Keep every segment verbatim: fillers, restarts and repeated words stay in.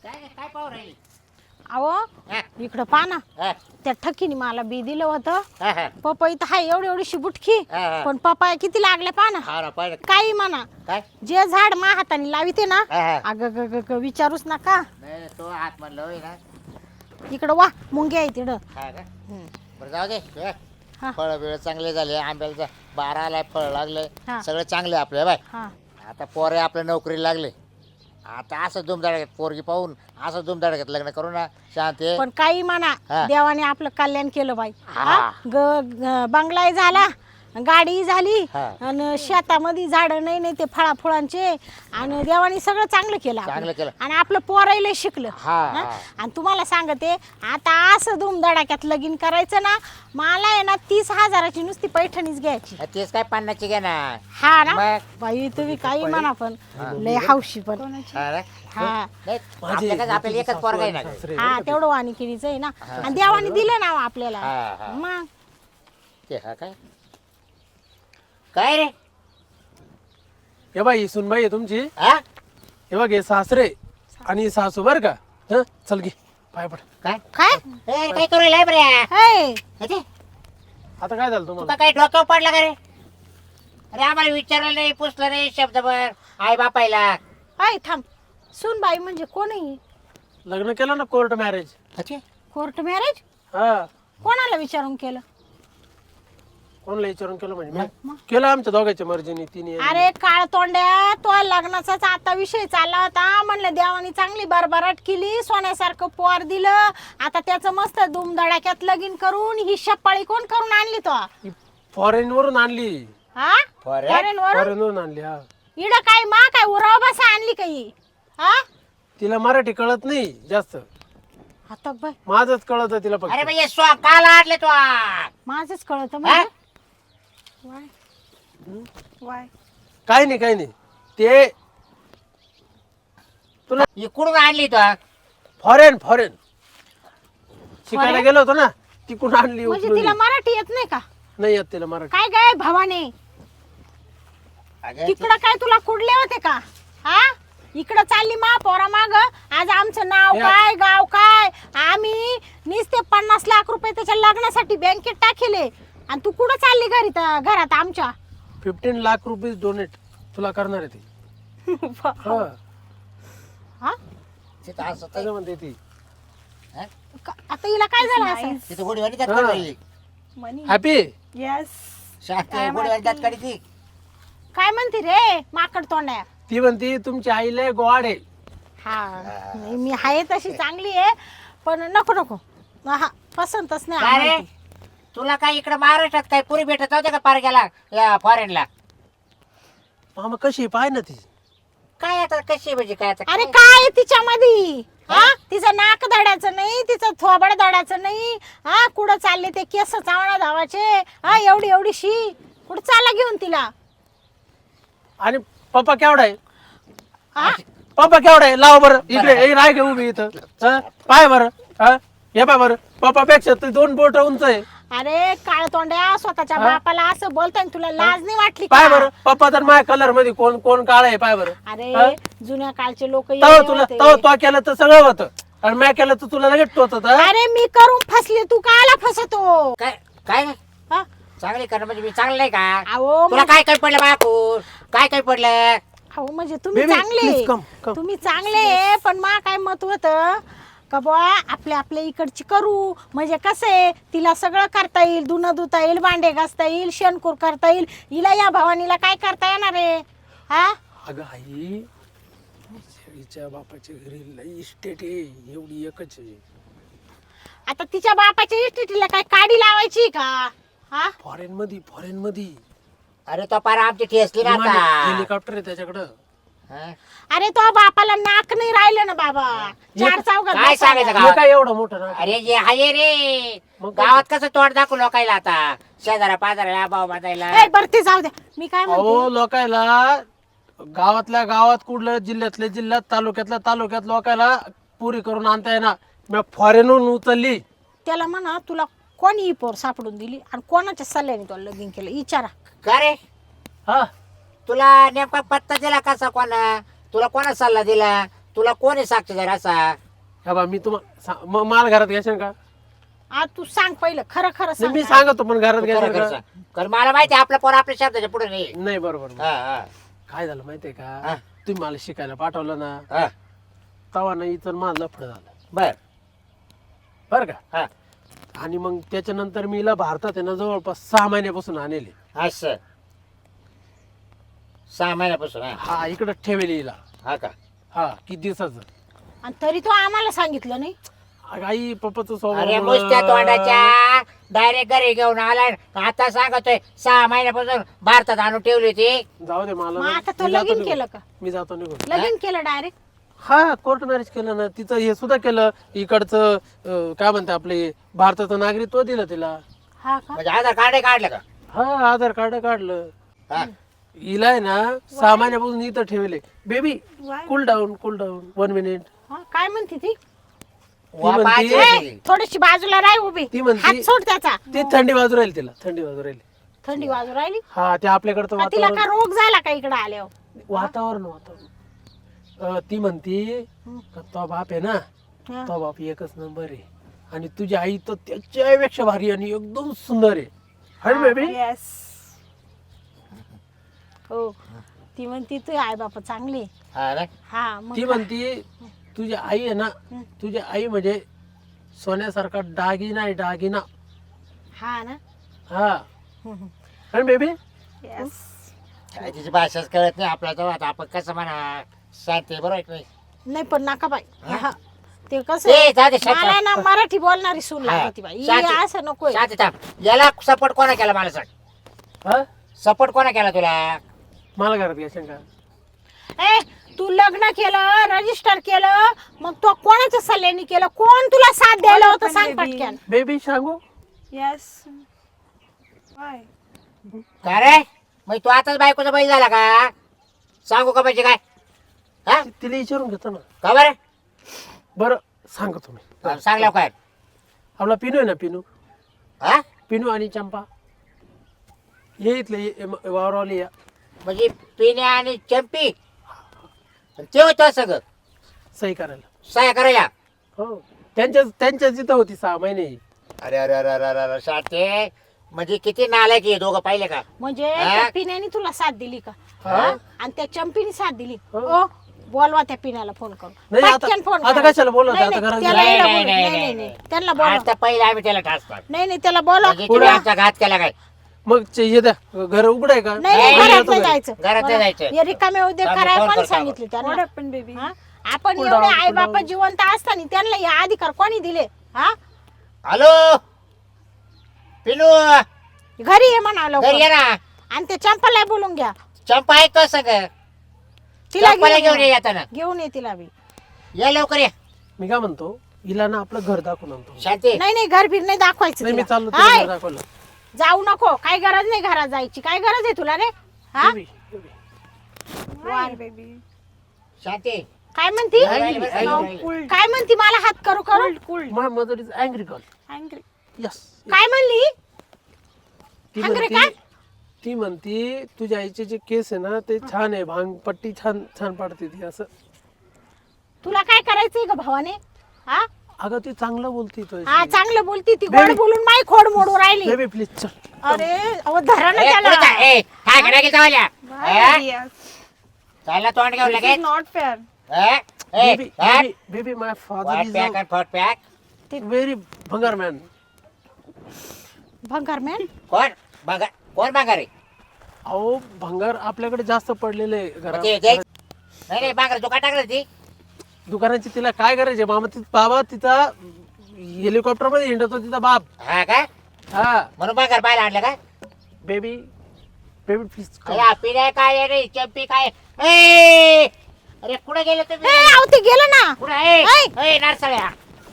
काय काय पाहू राहिली? अहो हा, इकडं पहा ना, हा, त्या ठकीने मला बी दिलं होतं. हा, हा, पपई तर हाय एवढी एवढीशी बुटकी, हा, हा. पण पपाया किती लागल्या पहा ना. हा ना, पाहिलं काही म्हणा, काय? जे झाड मा हाताने लाविते ना, हा, हा. अग ग ग ग विचारूच नका. नाही नाही, तो हात म्हणलं होय ना. इकडं वा मुंग्या आहे तिकडं. हा का? हम्म. बरं जाऊ दे. हा. फळ बिळ चांगले झाले, आंब्याला बारा आलाय, फळ लागले, हा. सगळे चांगले आपले बाय. हा आता पोरे आपल्या नोकरीला लागले. आता असं धुमधडाक्यात पोरगी पाहून असं धुमधडाक्यात लग्न करू ना शांत आहे. पण काही म्हणा, हा. देवाने आपलं कल्याण केलं बाई. हा. हा? ग ग- बंगलाही झाला, गाडी झाली, हा. आणि शेतामध्ये झाडं नाही नाही ते फळा फुळांचे, आणि देवाने सगळं चांगलं केलं आपलं. चांगलं केलं. आणि आपलं पोरायला शिकलं. हा, हा? हा. आणि तुम्हाला सांगते, आता असं धुमधडाक्यात लगीन करायचं ना, मला आहे ना तीस हजाराची नुसती पैठणीच घ्यायची. तेच काय पन्नासची घे ना. हा ना मग? बाई, तुम्ही काही म्हणा पण हा. लय हौशी पण. हा ना? हा नाही, आपल्या काय आपल्याला एकच पोरगा आहे ना गं. हा तेवढं वाणिकिरीचं आहे ना, आणि देवाने दिलं ना आपल्याला. हा, हा. मग ते हा काय काय रे? हे बाई सुनबाई आहे तुमची. हा हे बघ हे सासरे आणि सासू बर का. हं? चल घे पाय पड. काय काय ए, काय करू राहिलाय बरे? हे, अरे, आता काय झालं तुका तुम्हाला? काय डोक्यावर पडला का रे? अरे आम्हाला विचारलं नाही, पुसलं नाही शब्दभर आई बापायला. ऐ थांब, सुनबाई म्हणजे कोणी? लग्न केलं ना कोर्ट मॅरेज. अच्छा. कोर्ट मॅरेज हा कोणाला विचारून केलं? कोणाला विचारून केलं म्हणजे मी केलं आमच्या दोघांच्या मर्जीने तिने. अरे काळ तोंड्या, तो लग्नाचाच आता विषय चालला होता. म्हणलं देवानी चांगली भरभराट केली, सोन्यासारखं पोर दिलं, आता त्याचं मस्त धुमधडाक्यात लगीन करून ही शपाळी कोण करून आणली तो? फॉरेन वरून आणली. हा Foreign? Foreign वरून? फॉरेन वरून आणली. हा इड काय मा काय उराव बसा आणली काही? हा तिला मराठी कळत नाही जास्त, आता बाय माझच कळत तिला अरे फक्त. भाई ये स्वा काल आडले तो. माझंच कळत हा? म्हणजे वाय वाय काय नाही काय नाही ते तुला इकडून आणली तो. फॉरेन फॉरेन शिकायला Foreign? गेलो होतो ना, तिकडून आणली म्हणजे उचलून. तिला मराठी येत नाही का? नाही येत तिला मराठी. काय काय भावाने अगं, तिकडं काय तुला कुडले होते का? हा इकडं चालली मा पोरा माग. आज आमचं नाव या. काय, गाव काय, आम्ही नुसते पन्नास लाख रुपये त्याच्या लग्नासाठी बँकेत टाकेले, आणि तू कुठं चालली घरी त- घरात आमच्या? फिफ्टीन लाख रुपीज डोनेट तुला करणार आहे ती. हा हा? तिथं असं असं म्हणते ती. हा? का- आता हिला काय झालं असं? तिथं गोडीवाडी त्यात हा. करू राहिली. हॅपी. येस. शांत आहे, गोडीवाडी त्यात काढी ती. काय म्हणते रे माकड तोंड्या? ती म्हणती तुमची आईला गोड आहे. हा नाही, मी आहे तशी चांगली आहे, पण नको नको. हा पसंतच नाही काय रे? आम्हाला ती. तुला काय इकडे महाराष्ट्रात काय पुरी भेटत होते का पार गेला या फॉरेनला? मामा कशी आहे पाय ना ती. काय आता कशी म्हणजे काय आता अरे काय? काय आहे तिच्यामध्ये? हा तिचं नाक दडाचं नाही, तिचं थोबड दडाचं नाही. हा कुठं चालले ते केस चावणा धावाचे? हा एवढी एवढीशी कुठं चाला घेऊन तिला? आणि पप्पा केवढा आहे? हा पप्पा केवढा आहे? लाव बरं इकडे. ए, राय घे उभी इथं. हा? पाय बरं. हा हे पाय बरं, पप्पा पेक्षा तू दोन बोट उंच आहे. अरे काळ तोंड्या, स्वतःच्या हा? बापाला असं बोलताय आणि तुला लाज नाही वाटली पाय का? बरं, पप्पा तर माझ्या कलर मध्ये कोण कोण काळ आहे पाय बरं. हा? अरे जुन्या काळचे लोक तव तुला तव तो केलं तर सगळं होतं, आणि मी केलं तर तुला लगेच टोचत. हा? अरे मी करून फसले, तू कायला फसतो? काय काय हा? चांगली करणं म्हणजे मी चांगलं नाही का? अहो तुला काय काय पडलं बाकून? काय काय पडलं? अहो म्हणजे तुम्ही Baby, चांगले, please come, come. तुम्ही चांगले, पण मा काय मत होतं का बुवा आपल्या आपल्या इकडची करू, म्हणजे कसं आहे तिला सगळं करता येईल, धुणं धुता येईल, भांडे घासता येईल, शेणकूर करता येईल. हिला या भवानीला काय करता येणार आहे? हा अगं आई, हिच्या बापाच्या घरी लई इस्टेट आहे, एवढी एकच आहे. आता तिच्या बापाच्या इस्टेटीला काय काडी लावायची का? हा फॉरेन मध्ये फॉरेन मध्ये अरे तो पार आमची ठेसली ना आता. हेलिकॉप्टर आहे त्याच्याकडं. हा? अरे तो बापाला नाक नाही राहिलं ना बाबा, चार चौघात काय बसायला. सांगायचं हे गावात? काय एवढं मोठं ना. अरे जे हाय रे मग काय? गावात कसं तोंड दाखवू लोकायला आता, शेजारा पाजारा भाव बांधायला. ए, बरं ते जाऊ द्या, मी काय अहो म्हणते, लोकायला गावातल्या गावात, कुठलं जिल्ह्यातल्या जिल्ह्यात, तालुक्यातल्या तालुक्यात लोकायला पुरी करून आणता येणार. मी फॉरेनहून उचलली. त्याला म्हणा तुला कोणी ही पोर सापडून दिली आणि कोणाच्या सल्ल्याने तुला लगीन केलं विचारा. का रे हा तुला नेमका पत्ता दिला कसा कोणा? तुला कोणा सल्ला दिला? तुला कोण आहे साक्षीदार असा? हा बा मी तुम्हाला माल घरात घ्यायचं का? आ तू सांग पहिलं खरं खरं नाही, सांग मी ना. सांगतो पण घरात तू घ्यायचं खरं खरं का? सांग. कारण मला माहिती आहे आपला पोर आपल्या शब्दाच्या पुढे नाही. नाही बरोबर हा, हा, काय झालं माहितीये हा. का? तुम्ही मला शिकायला पाठवलं ना, हा. तवा नाही इथं माझं लफड झालं बर बर का? हा आणि मग त्याच्यानंतर मी हिला भारतात आहे ना जवळपास सहा महिन्यापासून आणले. असं सहा महिन्यापासून हा हा इकडं ठेवेल हिला. हा का? हा किती दिवसाचं. आणि तरी तो आम्हाला सांगितलं नाही. अगं आई पप्पाचं अरे स्वभाव मुसत्या तोंडाच्या डायरेक्ट घरी घेऊन आलाय. आता सांगतोय सहा महिन्यापासून भारतात आणून ठेवली होती. जाऊ दे मला मग ना. आता तो मी जातो लगीन निघून. केलं का? मी जातो निघून. लगीन केलं डायरेक्ट? हा कोर्ट मॅरेज केलं ना. तिचं हे सुद्धा केलं इकडचं अं, काय म्हणते आपले भारताचं नागरिकत्व दिलं तिला. हा का? म्हणजे आधार कार्ड काढलं का? हा आधार कार्ड काढलं. हा. हिला आहे ना सहा महिन्यापासून इथं ठेवले. Baby cool down cool down one minute. हा, काय म्हणते ती? वा म्हणते- पाहिजे ए, होती. थोडीशी बाजूला राह उभी. ती म्हणते- हात सोड त्याचा. ती थंडी बाजू राहील तिला थंडी बाजू राहील. थंडी वाजू राहिली. हा ते आपल्याकडचं का तिला वातावरण का रोग झाला का इकडे आल्यावर? वातावरण वातावरण अं, ती म्हणती का तो बाप आहे ना, हा. तो बाप एकच नंबर आहे आणि तुझी आई तर त्याच्यापेक्षा भारी आणि एकदम सुंदर आहे. Hi baby. हो ती म्हणती तू आई बापा चांगली. हा ना? हा मग ती म्हणती तुझी आई आहे ना, तुझी आई म्हणजे सोन्यासारखा दागिना आहे दागिना. हा ना. हा आणि बेबी काय तिची भाषाच कळत नाही आपल्याला. तर आता आपण कसं म्हणा शांती बरोबर आहे की नाही? नाही पण नका बाई. हा. ते कसं ए, जाऊ दे, शांत मला राहा. ना मराठी बोलणारी सून हा. लागती बाई. शांती. ही असं नकोय. शांती थांब. याला सपोर्ट कोणा केला मला सांग. हा सपोर्ट कोणा केला तुला? मला घरात घ्या शंका. ए तू लग्न केलं रजिस्टर केलं मग तो कोणाच्या सल्ल्याने केलं? कोण तुला साथ द्यायला होतं सांग पटक्यान. बेबी सांगू Yes. Why? का रे मग तू आताच बायकोचा बैल झाला का? सांगू का म्हणजे काय? हा ति- तिला विचारून घेतो ना. का बरं? बरं सांगतो तुम्ही. हा, सांग लवकर. आपला पिनू आहे ना पिनू हा पिनू आणि चंपा ये इथले ये- ये- वावरावली या. म्हणजे पिण्या आणि चंपी ते होतं सगळं सही करायला. सह्या करायला. हो त्यांच्या त्यांच्या जिथं होती सहा महिने. अरे अरे अरे अरे अरे अरे शाते म्हणजे किती नालायक आहे दोघं पाहिले का? म्हणजे हा? त्या पिण्याने तुला साथ दिली का? हा. हा? आणि त्या चंपीने साथ दिली. हो. ओ बोलवा त्या पिण्याला फोन करून. नाही, आता- पटकन फोन आता करा. कशाला बोलवते? नाही, आता नाही, घरात त्याला नाही, येडं नाही, बोलू. नाही, नाही नाही, नाही नाही. नाही त्यांना बोलवा. आता पहिले आम्ही त्याला टाचतो नाही नाही त्याला बोलवा. म्हणजे तुम्ही आमचा घात केला काय? मग चे- हे द्या घर उघड आहे का? नाही नाही, नाही, नाही, घरात नाही जायचं. घरात नाही जायचं. हे रिकामे उद्योग आम्ही करायला फोन कोणी करतो सांगितले What त्यांना? happened, baby? हा? आपण Cool एवढे down, आई cool बापा down. जिवंत असताना त्यांना हे अधिकार कोणी दिले? हा हॅलो पिनू घरी ये म्हणा घरी ये लवकर. ना. आणि ते चंपाला बोलून घ्या. चंपा आहे का सगळं? तिला चंपाला घेऊन ये घेऊन येताना. घेऊन ये तिला बी. ये लवकर ये. मी काय म्हणतो हिला ना आपलं घर दाखवून आणतो. शांती नाही नाही घर बीर नाही दाखवायचं नाही मी तिला. चाललो हाय, तुला घर दाखवलं. जाऊ नको. काय गरज नाही घरात जायची. काय गरज आहे तुला रे? हा baby, baby. Why, baby? Shanti काय म्हणती? राहिली, राहिली, Now राहिली. cool, काय म्हणती? मला हात करू करू. cool, cool. My mother is angry girl. Angry. Yes. काय म्हणली? ती Angry म्हणती ती म्हणती तुझ्या आईचे जे केस आहे ना ते छान आहे. भांग पट्टी छान छान पाडते ती असं. तुला काय करायचंय ग भावाने? हा अगं ती चांगलं बोलती तो. हा चांगलं बोलती ती. गोड Baby. बोलून माई खोड मोडू राहिली. बेबी प्लीज चल. अरे अहो धरा ना ए, त्याला. पुढे जा. ए, काय करा की चावल्या? Why, Eh? baby? Yes. चालला तोंड घेऊन This लगेच. is not fair. ए, ए, बेबी हा? Baby baby my father what is pack आणि फट पॅक. व्हेरी भंगार मॅन. भंगार मॅन. कोण बघा कोण बघा रे? अहो भंगार आपल्याकडे जास्त पडलेले आहे मग ते- ते- घरात. नाही नाही बांगर दुकान टाकलं ती. दुकानाची तिला काय करायचे मामा ती बाबा तिचा हेलिकॉप्टर मध्ये हिंडतो तिचा बाप. हा का हा म्हणून बांगर पाहायला आणलं का? बेबी बेबी प्लीज अरे पिण्या काय आहे रे चंपी काय? ए अरे कुठे गेले तुम्ही? ए अहो ते गेलं ना. कुठे ए ऐ. ए नारसाळ्या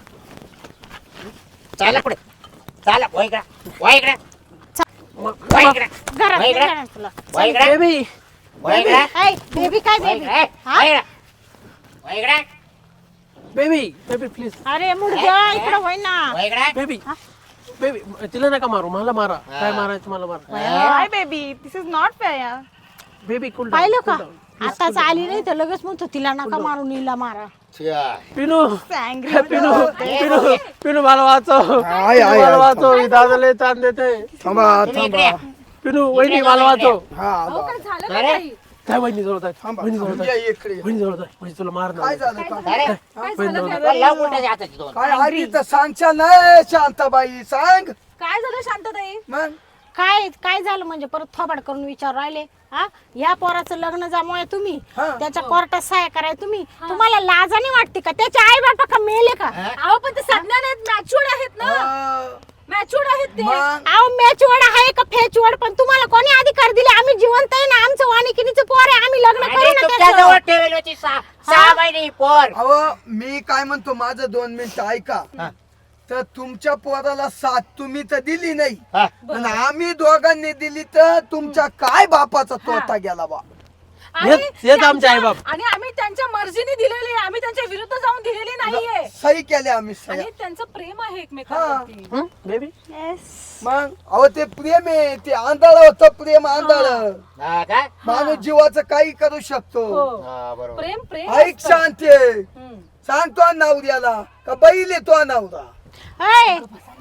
चाला पुढे चाला वय इकडे वय इकडे वय इकडे घरात वय नाही इकडे जाणार तुला. वय इकडे बेबी वय इकडे ऐ बेबी काय वय बेबी? इकडे हा? वय इकडे वय इकडे बेबी बेबी प्लीज अरे मुडद्या इकडं होय ना. वय इकडे बेबी बेबी तिला नका मारू मला मारा. हा. काय मारायचं मला मारा. Why, baby? This is not fair. Yeah. Baby कुल पाहिलं का? आताच आली नाही तर लगेच म्हणतो तिला नका मारून हिला मारा. छ्या. पिनू Angry. पिनू पिनू पिनू मला वाचव आहे, पिनू, आहे, मला आहे. वाचव ही दादाला ताण देते. थांबा तुम्ही इकडे थांबा या. पिनू वहिनी मला वाचव. हा अहो, आलो. काय झालं अरे. का काही? काय वहिनी जवळ आहे थांबा वहिनी जवळ थांबा. आहे या इकडे वहिनी जवळ आहे वहिनी तुला मार काय झालं काय अरे काय बहिणी झालं जवळ काय? लाव कुठे हाताची दोन. काय आली तर सांगच्या नाही शांताबाई सांग काय झालं शांतताई? मग काय काय झालं म्हणजे परत थोबाड करून विचार राहिले. हा या पोराचं लग्न जमवाय तुम्ही, हा. त्याच्या कोर्टात सहाय्य कराय तुम्ही. तुम्हाला लाजाने वाटते का? त्याचे आई बाबा का मेले का? अहो पण ते सज्ञान आहेत, मॅच्युअर्ड आहेत ना, अं, मॅच्युअर्ड आहेत ते. मग अहो मॅचवड आहे का फेचवड, पण तुम्हाला कोणी अधिकार दिले? आम्ही जिवंत आहे ना, आमचं वाणिकिनीचं पोर आहे, आम्ही लग्न आणि करू ना तुमच्या त्याचं. जवळ ठेवली होती सहा सहा महिने पोर. अहो मी काय म्हणतो माझं दोन मिनिट ऐका हा. तर तुमच्या पोराला साथ तुम्ही तर दिली नाही हा. आणि आम्ही दोघांनी दिली तर तुमच्या काय बापाचा तोटा गेला बा. आणि हेच- हेच आमचे त्यांच्या- आईबाप. आणि आम्ही त्यांच्या मर्जीने दिलेली आहे, आम्ही त्यांच्या विरुद्ध जाऊन दिलेली नाहीये. सही केले आम्ही सही आणि त्यांचं प्रेम आहे एकमेकांवरती. बेबी मग अहो ते प्रेम आहे ते आंधळ होतं प्रेम आंधळ हा का? माणूस जीवाचं काही करू शकतो हो. हा, बरोबर. प्रेम प्रेम ऐक असतं. शांती हम्म. सांगतो नवऱ्याला का बैल येतो नवरा ऐ,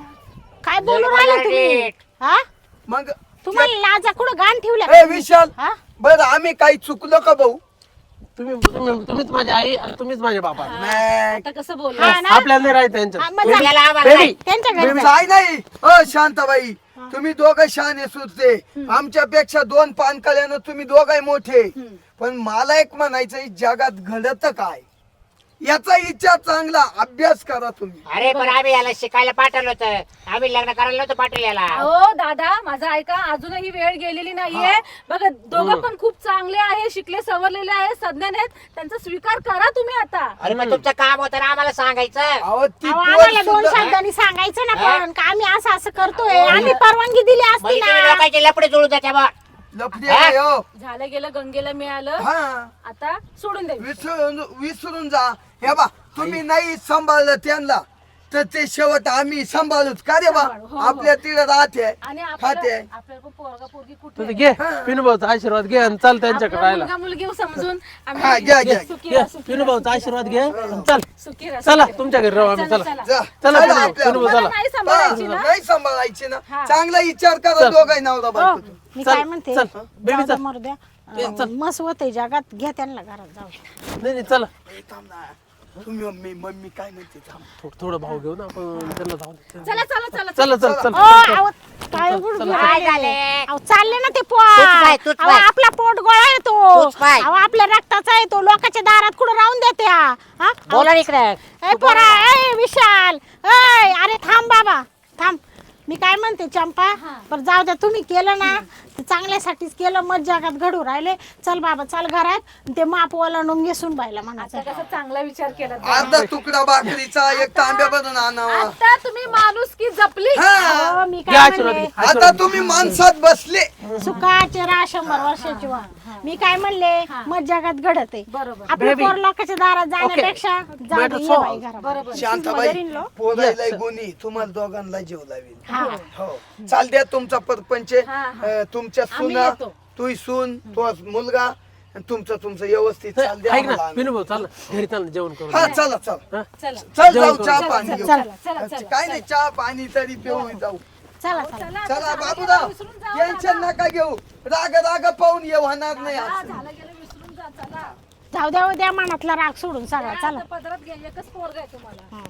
काय बोलू जरा राहिले बोला तुम्ही? नीट. हा मग तुम्हाला लाजा कुठं गाण ए ठेवल्या? विशाल हा बर आम्ही काही चुकलो का भाऊ तुम्ही तुम्ही- तुम्हीच माझी आई आणि तुम्हीच माझे बाबा नाही. आता कसं बोल हा ना? आपल्याला नाही राहायचं त्यांच्यात. हा, मग जा. उद्याला आम्हाला बेबी. नाही. त्यांच्या घरी जा. काय नाही अ शांताबाई तुम्ही दोघं शहाणे सुचते आमच्यापेक्षा दोन पानकळ्यानं तुम्ही दोघं मोठे पण मला एक म्हणायचं जगात घडत काय याचा विचार चांगला अभ्यास करा तुम्ही अरे पण आम्ही याला शिकायला पाठवलं होतं, आम्ही लग्न करायला नव्हतं पाठवलं याला. हो दादा माझं ऐका, अजूनही वेळ गेलेली नाहीये. बघा दोघं पण खूप चांगले आहे, शिकले सवरलेले आहे, सज्ञान आहेत, त्यांचा स्वीकार करा तुम्ही आता. अरे पण तुमचं काम होतं ना आम्हाला सांगायचं. अहो ती अहो, पोर आम्हाला दोन सुद्धा- शब्दांनी सांगायचं ना, हा? पण का आम्ही असं असं करतोय, आम्ही परवानगी दिली असती म्हणजे तुम्ही ना. लोकांचे लपडे जुळून जाते बा. लफडी आहे, हो. झालं गेलं, गंगेला मिळालं, हा आता सोडून दे. विसरून विसरून जा हे बा तुम्ही नाही सांभाळलं त्यांना तर ते शेवट आम्ही सांभाळूच का रे बा सांभाळू, हो, हो. आपल्या तिला राहते आणि खाते आपल्याला आपल्याला पण पोरगा पोरगी कुठे तर आहे? घे पिनूभाऊचा आशीर्वाद घे आणि चल त्यांच्याकडे आपला राहायला. मुलगा मुलगी समजून आम्ही हा, घ्या, घ्या. सुखी घे राहा, सुखी पिनूभाऊचा आशीर्वाद घे आणि चल सुखी राहा, चला सुखी राहा. तुमच्या घरी राहू आम्ही चला, चला चला. जा. चला चला पिनू आपल्या- पिनू मला चला नाही सांभाळायची ना. नाही सांभाळायची ना हा. चांगला विचार करा चल. दोघांनी नवरा हो, बायको तुम्ही. मी चल, काय म्हणते, चल. बेबी जाऊ द्या, चल. मरू द्या. ये, अं, चल. मस्त होते जगात, घ्या त्यांना घरात जाऊ. नाही नाही चला ए, थांब ना. तुम्ही मम्मी मम्मी काय म्हणते थांब. थोडं थोडं भाव घेऊ ना आपण त्यांना जाऊ दे. चला चला चला चला चल चल ओ, अहो, काय गुडगुड काय राहिले? झाले? अहो, चालले ना ते तूच पाय, पोट. तूच अहो, पाय. आपला पोट गोळा येतो. तूच पाय. अहो, आपल्या रक्ताचा येतो, लोकांच्या दारात कुठं राहून देते हा? हा? बोला इकडे. ए पोरा, ए विशाल, ए अरे थांब बाबा, थांब. मी काय म्हणते चंपा, पण जाऊ द्या, तुम्ही केलं ना ते चांगल्यासाठीच केलं, मग जगात घडू राहिले. चल बाबा चल घरात, ते माप ओलांडून घेसून बायला म्हणायचं. आता कसा चांगला विचार केला अर्धा तुकडा भाकरीचा एक तांब्या बनवून आणावा आता तुम्ही माणूस की जपली. हा. अहो, मी घे काय आशीर्वाद घे म्हणले, आता तुम्ही माणसात बसले सुखाचे राहा शंभर वर्षाची वा. मी काय म्हणले, मग जगात घडत आहे. बरोबर. आपल्या Baby. पोर लोकांच्या दारात जाण्यापेक्षा जाऊ दे, Matter ये solved. बाई घरात. बरोबर. शांताबाई पोरायला गुणी तुम्हाला दोघांना जीव लावेल हा. हो चाल द्या तुमचा परपंच हा, हा. अं, तुमच्या आम्ही सुना येतो. तू सून तो मुलगा आणि तुमचं तुमचं व्यवस्थित चाल द्या ऐक ना आम्हाला. पिनूभाऊ चल ना घरी चल ना जेवण करू हा चला चल हा? चला चल जेवण जाऊ करू. चहा चला, पाणी चला, घेऊ चला, चला, चला. काय नाही चहा पाणी तरी पिऊ जाऊ चला चला. चला, चला आता बाबूराव विसरून जाऊ टेन्शन नका घेऊ राग राग पाहून ये होणार नाही हा, असं. झालं गेलं विसरून जा. चला जाऊ द्या, द्या मनातला राग सोडून सगळा. चला. आता पदरात घे, एकच पोरगा आहे तुम्हाला.